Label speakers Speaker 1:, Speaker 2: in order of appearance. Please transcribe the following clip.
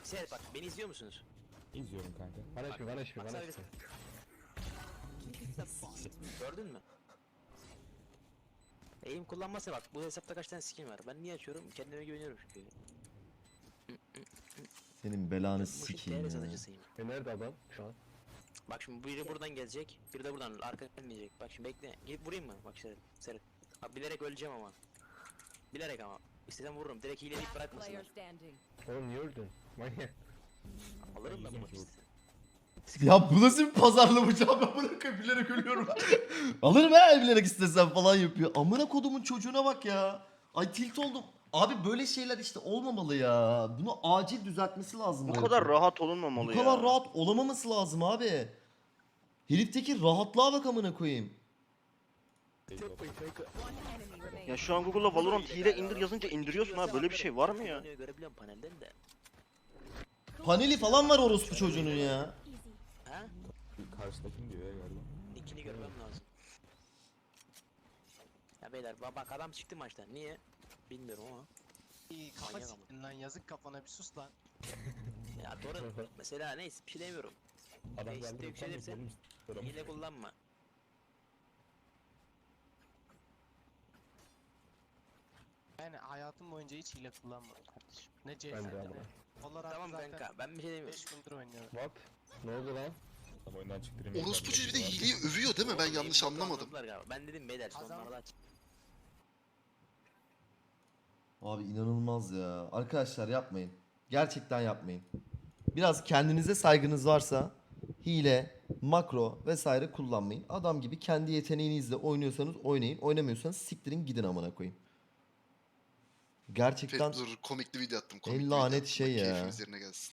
Speaker 1: Seyret bak, beni izliyor musunuz?
Speaker 2: İzliyorum kanka. Bana
Speaker 1: Bak,
Speaker 2: HP, bana HP,
Speaker 1: bak
Speaker 2: bana
Speaker 1: sana
Speaker 2: HP.
Speaker 1: Gördün mü? Eğim kullanmasa bak, bu hesapta kaç tane skin var. Ben niye açıyorum? Kendime güveniyorum çünkü.
Speaker 3: Senin belanı
Speaker 1: Bu
Speaker 3: sikeyim
Speaker 1: TR
Speaker 3: ya.
Speaker 1: satıcısıyım.
Speaker 2: Nerede adam şu an?
Speaker 1: Bak şimdi biri buradan gelecek, biri de buradan arkadan gelmeyecek. Bak şimdi bekle, gidip vurayım mı? Bak Seyret. Abi bilerek öleceğim ama. Bilerek ama. İstesem vururum, direkt hileleyip
Speaker 4: Last player
Speaker 1: bırakmasınlar.
Speaker 4: standing.
Speaker 2: Oğlum niye öldün? Manyak.
Speaker 1: Alırım da bu maçı.
Speaker 3: Ya bu nasıl bir pazarlama cevap, ben bırakıp bilerek ölüyorum. Alırım he bilerek istesem falan yapıyor. Amına kodumun çocuğuna bak ya. Ay tilt oldum. Abi böyle şeyler işte olmamalı ya. Bunu acil düzeltmesi lazım.
Speaker 5: Bu
Speaker 3: bu
Speaker 5: kadar
Speaker 3: herifin.
Speaker 5: rahat olunmamalı
Speaker 3: Bu
Speaker 5: ya.
Speaker 3: kadar rahat olamaması lazım abi. Herifteki rahatlığa bak amına koyayım.
Speaker 4: One enemy
Speaker 5: Ya
Speaker 4: remaining.
Speaker 5: şu an Google'da Valorant hile indir yazınca indiriyorsun ha, böyle bir şey var mı ya?
Speaker 1: Görebiliyorum panelden de.
Speaker 3: Paneli falan var orospu çocuğunun ya.
Speaker 1: Ha?
Speaker 2: Karşıdakini diyor ya galiba.
Speaker 1: Nickini görmem lazım. Ya beyler bak adam çıktı maçtan. Niye? Bilmiyorum ama.
Speaker 6: İyi kafa
Speaker 1: Manyak ama.
Speaker 6: siktin lan, yazık kafana, bir sus lan.
Speaker 1: Ya doğru. Mesela neyse bir şey demiyorum.
Speaker 2: Adam
Speaker 1: Reis
Speaker 2: geldi.
Speaker 1: de yükselirse hile kullanma.
Speaker 6: Yani hayatım boyunca hiç hile kullanmadım kardeşim. Ne
Speaker 2: Ben de
Speaker 6: CS'de.
Speaker 2: abi.
Speaker 6: Valorant
Speaker 1: Tamam
Speaker 6: zaten
Speaker 1: kanka ben bir şey demiyorum.
Speaker 6: 5 gündür oynuyorum.
Speaker 2: What? Ne oldu lan? Tam oyundan çıktı.
Speaker 7: Orospu çocuğu bir de hileyi övüyor değil mi? Ben yanlış anlamadım.
Speaker 1: Anladılar galiba. Ben dedim beyler
Speaker 6: Kazan-
Speaker 1: sonlarda aç.
Speaker 3: Abi inanılmaz ya. Arkadaşlar yapmayın. Gerçekten yapmayın. Biraz kendinize saygınız varsa hile, makro vesaire kullanmayın. Adam gibi kendi yeteneğinizle oynuyorsanız oynayın. Oynamıyorsanız siktirin gidin amına koyayım. Gerçekten
Speaker 7: Dur komikli video attım.
Speaker 3: en
Speaker 7: Komikli video
Speaker 3: lanet
Speaker 7: attım.
Speaker 3: şey
Speaker 7: Bak,
Speaker 3: ya.
Speaker 7: keyfimiz yerine gelsin.